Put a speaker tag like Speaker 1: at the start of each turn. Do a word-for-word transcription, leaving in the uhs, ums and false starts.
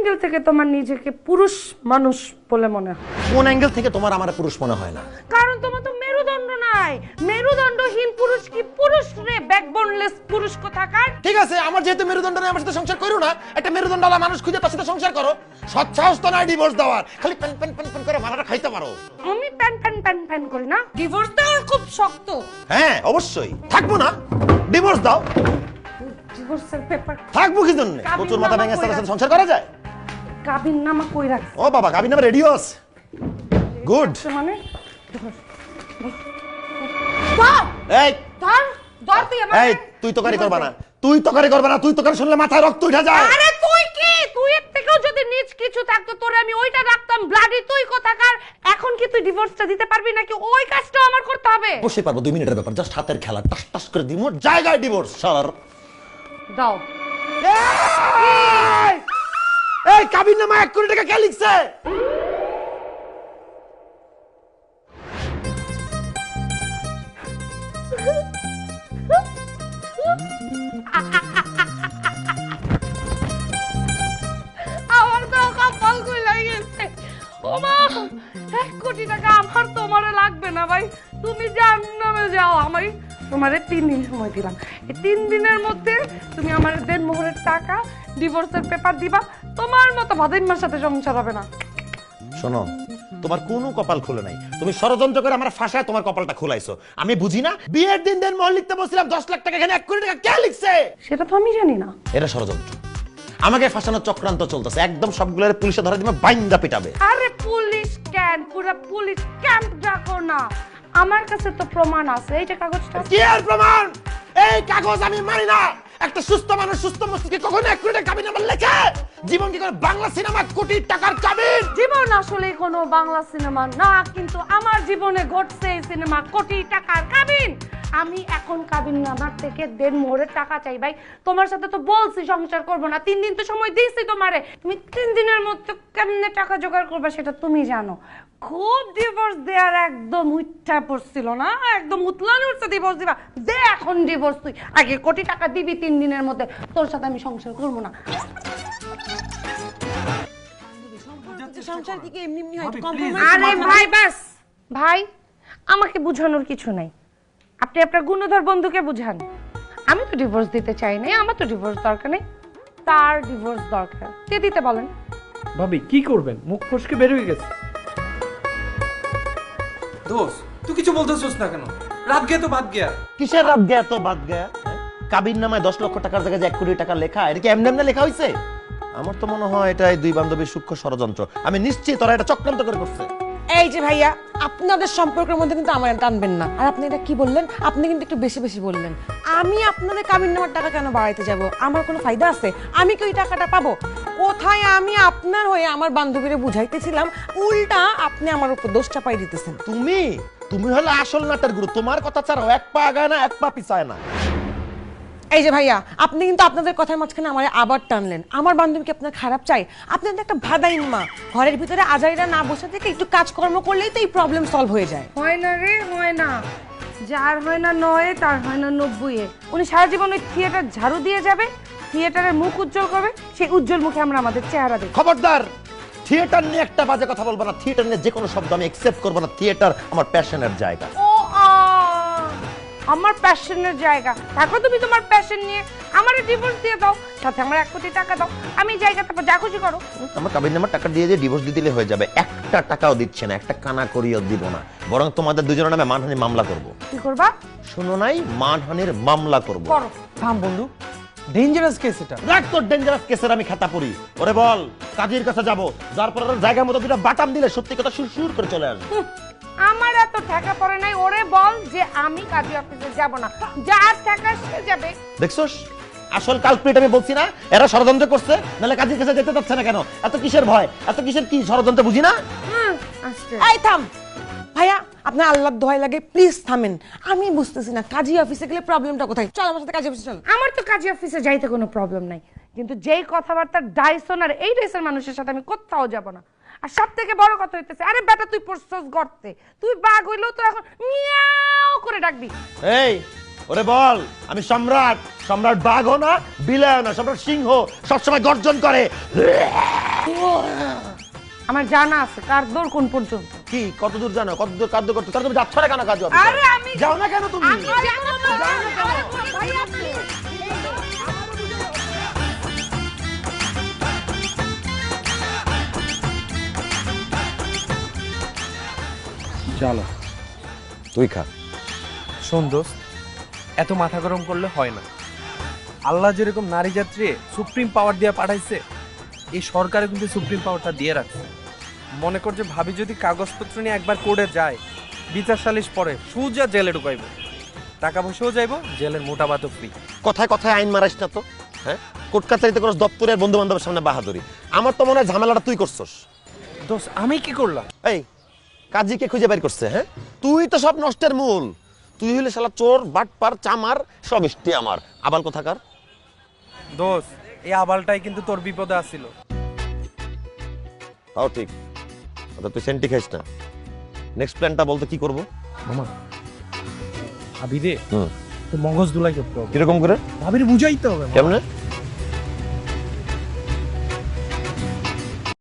Speaker 1: Angle থেকে তোমার নিজেকে পুরুষ মানুষ বলে মনে হয়?
Speaker 2: কোন অ্যাঙ্গেল থেকে তোমার আমার পুরুষ মনে হয় না?
Speaker 1: কারণ তোমার তো মেরুদণ্ড নাই। মেরুদণ্ডহীন পুরুষ কি পুরুষ রে? ব্যাকবোনলেস পুরুষ কোথাকার।
Speaker 2: ঠিক আছে, আমার যেহেতু মেরুদণ্ড নেই, আমার সাথে সংসার করো না। একটা মেরুদণ্ডওয়ালা মানুষ খুঁজে তার সাথে সংসার করো। সৎ সাহস তো নাই ডিভোর্স দেওয়ার, খালি প্যান প্যান প্যান প্যান করে মারাটা খাইতে পারো।
Speaker 1: আমি প্যান প্যান প্যান প্যান করি না, ডিভোর্স দেওয়ার খুব শক্ত।
Speaker 2: হ্যাঁ অবশ্যই, থাকবো না, ডিভোর্স দাও।
Speaker 1: ডিভোর্সের পেপার
Speaker 2: থাকবো কি জন্য? প্রচুর মাথা ভেঙে সাথে সাথে সংসার করা যায়?
Speaker 1: কাবিননামা কই রাখছ?
Speaker 2: ও বাবা, কাবিননামা রেডিও আছে। গুড।
Speaker 1: মানে ধর
Speaker 2: এই
Speaker 1: ধর ধর তুই আমাকে।
Speaker 2: এই তুই তকারি করবা না, তুই তকারি করবা না, তুই তকারি শুনলে মাথায় রক্ত উঠে যায়।
Speaker 1: আরে তুই কি, তুই এর থেকেও যদি নিচ কিছু থাকতো তোরে আমি ওইটা রাখতাম। ব্লাডি তুই কোথাকার। এখন কি তুই ডিভোর্সটা দিতে পারবি নাকি ওই কাজটাও আমার করতে হবে?
Speaker 2: অবশ্যই পারবো, দুই মিনিটের ব্যাপার, জাস্ট হাতের খেলা, টাস টাস করে দিমু, জায়গায় ডিভোর্স। শালার
Speaker 1: দাও।
Speaker 2: এই এই কাবিননামা এক কোটি টাকা কে লিখছে?
Speaker 1: আমার তো কপাল খুলে গেছে। ওমা, এক কোটি টাকা আমার তোমারে লাগবে না ভাই, তুমি জাহান্নামে যাও। আমি তোমারে তিন দিন সময় দিলাম, এই তিন দিনের মধ্যে তুমি আমার দেড় মোহরের টাকা, ডিভোর্সের পেপার দিবা। তোমার মতো ভাদিমার সাথে সংসার হবে না।
Speaker 2: শোনো, তোমার কোনো কপাল খুলে নাই, তুমি ষড়যন্ত্র করে আমার ফাঁসায় তোমার কপালটা খুলাইছো। আমি বুঝি না, বিয়ের দিন দিন মোহর লিখতে বলছিলাম দশ লাখ টাকা, এখানে এক কোটি টাকা কে লিখছে?
Speaker 1: সেটা তো আমি জানি না।
Speaker 2: এটা ষড়যন্ত্র, আমাকে ফাঁসানোর চক্রান্ত চলতেছে। একদম সবগুলোর পুলিশে ধরে দিবে, বাইন্দা পিটাবে।
Speaker 1: আরে পুলিশ কেন, পুরো পুলিশ ক্যাম্প ডাকো না, আমার কাছে তো প্রমাণ আছে। এই যে কাগজটা।
Speaker 2: কি আর প্রমাণ? এই কাগজ আমি মানি না। একটা সুস্থ মানুষ সুস্থ মস্তিষ্কে কখনো এক কোটি টাকা কাবিননামা লেখে? জীবন কি করে বাংলা সিনেমা কোটি টাকার কাবিন?
Speaker 1: জীবন আসলে কোনো বাংলা সিনেমা না, কিন্তু আমার জীবনে ঘটছে এই সিনেমা কোটি টাকার কাবিন। আমি এখন কাবিননামার থেকে দেড় মোহরের টাকা চাই ভাই। তোমার সাথে তো বলছি সংসার করবো না, তিন দিন তো সময় দিয়েছি তোমারে। তুমি তিন দিনের মধ্যে কেমনে টাকা জোগাড় করবে সেটা তুমি জানো। খুব ডিভোর্স দেওয়ার একদম উঠা পড়ছিল না, একদম উতলানি উঠছে ডিভোর্স দিবা। দে এখন ডিভোর্স, তুই আগে কোটি টাকা দিবি তিন দিনের মধ্যে, তোর সাথে আমি সংসার করবো না। আরে ভাই বাস ভাই, আমাকে বুঝানোর কিছু নাই, আপনি আপনার গুণধর বন্ধুকে বুঝান। আমি তো ডিভোর্স দিতে চাই না, আমার তো ডিভোর্স দরকার নেই, তার ডিভোর্স দরকার, কে দিতে বলেন।
Speaker 3: ভাবি কি করবেন, মুখ ফসকে বের হয়ে গেছে।
Speaker 4: দোস্ত তুই কিছু বলতেছিস না কেন? রাত গিয়া তো বাদ গিয়া।
Speaker 2: কিসের রাত গয়া তো বাদ গয়া? কাবিননামায় দশ লক্ষ টাকার জায়গায় যে এক কোটি টাকা লেখা, এটা কি এমনি এমনি লেখা হয়েছে? আমার তো মনে হয় এটাই দুই বান্ধবীর সূক্ষ্ম ষড়যন্ত্র। আমি নিশ্চিত ওরা এটা চক্রান্ত করে করছে।
Speaker 5: এই যে ভাইয়া, আপনাদের সম্পর্কের মধ্যে কিন্তু আমার টানবেন না। আর আপনি এটা কি বললেন? আপনি কিন্তু একটু বেশি বেশি বললেন। আমি আপনাদের কাবিননামার টাকা কেন বাড়াইতে যাব? আমার কোনো ফায়দা আছে? আমি কি ওই টাকাটা পাবো? কোথায় আমি আপনার হয়ে আমার বান্ধবীরে বুঝাইতেছিলাম, উল্টা আপনি আমার উপর দোষ চাপাই দিতেছেন।
Speaker 2: তুমি তুমি হলো আসল নাটের গুরু। তোমার কথা ছাড়াও এক পা আগায় না, এক পা পিছায় না।
Speaker 5: এই যে ভাইয়া, আপনি কিন্তু আপনাদের কথার মাঝখানে আমার আবার টানলেন। আমার বান্ধবীকে আপনার খারাপ চাই? আপনি তো একটা ভাদাইন মা, ঘরের ভিতরে আজাইরা না বসে থেকে একটু কাজকর্ম করলেই তো এই প্রবলেম সলভ হয়ে যায়।
Speaker 1: হয় না রে, হয় না। যার হয় না নয়, তার হয় না নব্বই। উনি সারা জীবন ওই থিয়েটার ঝাড়ু দিয়ে যাবে, থিয়েটারের মুখ উজ্জ্বল করবে, সেই উজ্জ্বল মুখে আমরা আমাদের চেহারা দেখি।
Speaker 2: খবরদার, থিয়েটার নিয়ে একটা বাজে কথা বলবো না। থিয়েটার নিয়ে যে কোনো শব্দ আমি অ্যাকসেপ্ট করবো না। থিয়েটার আমার প্যাশনের জায়গা।
Speaker 1: ও আ, আমার প্যাশনের জায়গা। দেখো তুমি তোমার প্যাশন নিয়ে আমারে ডিভোর্স দিয়ে দাও, সাথে আমার এক কোটি টাকা দাও, আমি জায়গাতে যা খুশি করো।
Speaker 2: আমার কাবিননামার টাকা দিয়ে যে ডিভোর্স দিয়ে দিলে হয়ে যাবে। একটা টাকাও দিচ্ছে না, একটা কানা করিও দিব না, বরং তোমাদের দুজনের নামে মানহানির মামলা করব।
Speaker 1: কি করবা?
Speaker 2: শুনো নাই, মানহানির মামলা করব।
Speaker 1: করো।
Speaker 3: থাম বন্ধু, ডেঞ্জারাস কেস এটা।
Speaker 2: রাখ তোর ডেঞ্জারাস কেসের আমি খাতা পড়ি। ওরে বল, কাজীর কাছে যাব, যার পর ওর জায়গা মতো দুটো বাটাম দিলে সত্যি কথা সুর সুর করে চলে আসবে।
Speaker 1: আমার এত টাকা পড়ে নাই, ওরে বল যে আমি কাজী অফিসে যাব না, যার টাকা সে যাবে।
Speaker 2: দেখছস, আসল কালপ্রিট আমি বলছি না? এরা ষড়যন্ত্র করছে, নাহলে কাজীর কাছে যেতে চাচ্ছে না কেন? এত কিসের ভয়, এত কিসের কি ষড়যন্ত্র বুঝি না?
Speaker 1: হুম, আসছে।
Speaker 5: এই থাম ভাইয়া, আপনার আল্লাহর দোহাই লাগে, প্লিজ থামেন। আমি বুঝতেছি না কাজী অফিসে গেলে প্রবলেমটা কোথায়। চল আমার সাথে কাজী অফিসে চল।
Speaker 1: আমার তো কাজী অফিসে যাইতে কোনো প্রবলেম নাই, কিন্তু যেই কথাবার্তা ডাইসন আর এই ডাইসের মানুষের সাথে আমি কোথাও যাব না। আর সব থেকে বড় কথা হইতেছে, আরে বেটা তুই পড়ছস গর্তে, তুই বাঘ হইলেও তো এখন মিয়াও করে ডাকবি।
Speaker 2: এই ওরে বল আমি সম্রাট, সম্রাট বাঘও না বিলায়ও না, সম্রাট সিংহ সবসময় গর্জন করে।
Speaker 1: আমার জানা আছে কার দৌড় কোন পর্যন্ত।
Speaker 2: কি কত দূর জানো, কত দূর কার্য করতে, তাহলে তুমি যাচ্ছ না কেন কাজ?
Speaker 1: আরে আমি
Speaker 2: যাও না কেন তুমি?
Speaker 1: আমি যাবো না। আরে ভাইয়া প্লিজ।
Speaker 3: চলো।
Speaker 2: তুই খা।
Speaker 3: শোন দোস্ত, এত মাথা গরম করলে হয় না। আল্লাহ যেরকম নারী যাত্রী সুপ্রিম পাওয়ার দিয়ে পাঠাইছে, এই সরকারে কিন্তু সুপ্রিম পাওয়ারটা দিয়ে রাখছে। মনে কর যে ভাবি যদি কাগজপত্র নিয়ে একবার কোর্টে যায়, বিচার সালিশ পরে সোজা জেলে ঢুকাইব, টাকা পয়সাও যাইব, জেলের মোটা ভাতও ফ্রি।
Speaker 2: কথায় কথায় আইন মারাইস না তো, হ্যাঁ? কোর্ট কাছারিতে করস দপ্তরের বন্ধু বান্ধবের সামনে বাহাদুরি। আমার তো মনে হয় ঝামেলাটা তুই করছস।
Speaker 3: দোস্ত আমি কি করলাম?
Speaker 2: এই কাজীকে খুঁজে বের করছে, হ্যাঁ? তুই তো সব নষ্টের মূল। তুই হইলে শালা চোর, বাটপার, চামার, সব ইষ্টি আমার। আবাল কোথাকার?
Speaker 3: দোস্ত এই আবালটাই কিন্তু তোর বিপদে আসছিল।
Speaker 2: তাও ঠিক। আচ্ছা তুই সেন্টি খাইস না। নেক্সট প্ল্যানটা বলতে কি করব?
Speaker 3: মামা ভাবি রে
Speaker 2: হুম
Speaker 3: তো মগজ দুলাই করতে হবে।
Speaker 2: কিরকম করে?
Speaker 3: ভাবির বুঝাইতে হবে।
Speaker 2: কেমনে?